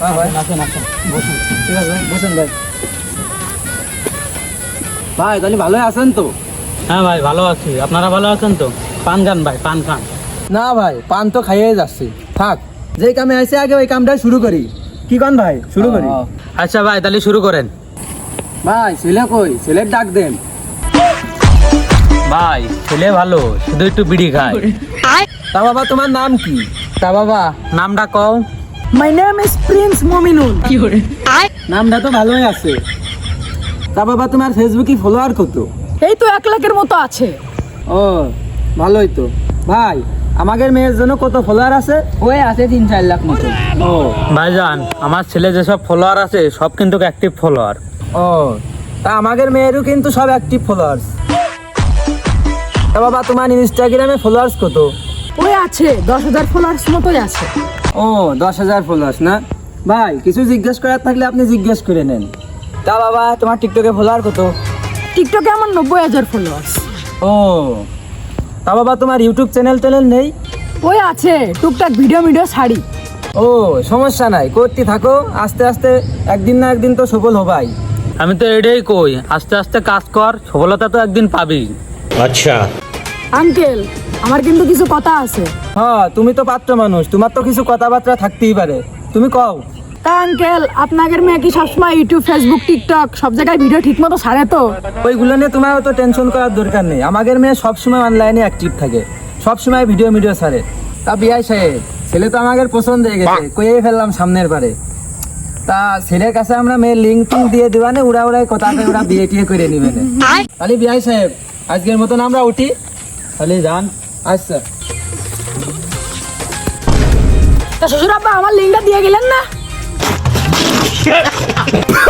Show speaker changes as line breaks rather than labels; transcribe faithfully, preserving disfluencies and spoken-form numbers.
হ্যাঁ ভাই আসেন আসেন বসুন। ঠিক আছে ভাই বসেন ভাই। ভাই তাহলে ভালোই আছেন তো?
হ্যাঁ ভাই ভালো আছি, আপনারা ভালো আছেন তো? পান খান ভাই, পান খান।
না ভাই পান তো খাইয়ে যাচ্ছি, থাক যেই কামে আইছে আগে ওই কামটা শুরু করি। কি কন ভাই শুরু করি?
আচ্ছা ভাই তাহলে শুরু করেন।
ভাই ছেলে কই? ছেলের ডাক দেন।
ভাই ছেলে ভালো, শুধু একটু বিড়ি খায়।
তা বাবা তোমার নাম কি?
তা বাবা নামটা কও।
My name is Prince Mominul.
নামটা তো ভালোই আছে। তা বাবা তোমার ফেসবুকে ফলোয়ার কত?
এই তো এক লাখের মতো আছে।
ও ভালোই তো। ভাই আমাদের মেয়ের জন্য কত ফলোয়ার আছে? ওই আছে তিন চার লাখ মতো। ও
ভাইজান আমার ছেলে যেসব ফলোয়ার আছে সব কিন্তু অ্যাক্টিভ ফলোয়ার।
ও তা আমাদের মেয়েরও কিন্তু সব অ্যাক্টিভ ফলোয়ার্স। তা বাবা তোমার ইনস্টাগ্রামে ফলোয়ার্স কত?
ওই আছে দশ হাজার ফলোয়ার্স মতোই আছে।
ও দশ হাজার ফলোয়ার্স না? ভাই কিছু জিজ্ঞেস করার থাকলে আপনি জিজ্ঞেস করে নেন। তা বাবা তোমার টিকটকে ফলোয়ার কত?
টিকটকে আমার নব্বই হাজার ফলোয়ার্স।
ও তা বাবা তোমার ইউটিউব চ্যানেল ট্যানেল নেই?
ওই আছে টুকটাক ভিডিও ভিডিও ছাড়ি।
ও সমস্যা নাই, করতে থাকো, আস্তে আস্তে একদিন না একদিন তো সফল হবাই।
আমি তো এটাই কই, আস্তে আস্তে কাজ কর, সফলতা তো একদিন পাবি।
अच्छा
আঙ্কেল আমার কিন্তু কিছু কথা আছে।
হ্যাঁ তুমি তো পাত্র মানুষ, তোমার তো কিছু কথাবার্তা থাকতেই পারে, তুমি কও।
তা আঙ্কেল আপনাদের মেয়ে কি সবসময় ইউটিউব ফেসবুক টিকটক সব জায়গায় ভিডিও ঠিক মতো ছাড়ে তো?
ওইগুলো নিয়ে তোমার তো টেনশন করার দরকার নেই, আমাদের মেয়ে সবসময় অনলাইনে অ্যাক্টিভ থাকে, সবসময় ভিডিও ভিডিও ছাড়ে। তা বিয়াই সাহেব ছেলে তো আমাদের পছন্দ হয়ে গেছে, কইয়ে ফেললাম সামনের বারে। তা ছেলের কাছে আমরা মেয়ের লিঙ্ক টিঙ্ক দিয়ে দিবানে, উড়া উড়াই কথাতে ওরা বিয়ে টিয়ে করে নিবে। তাহলে বিয়াই সাহেব আজকের মতন আমরা উঠি, তাহলে যান। আচ্ছা
তা শ্বশুর আব্বা আমার লিঙ্কটা দিয়ে গেলেন না?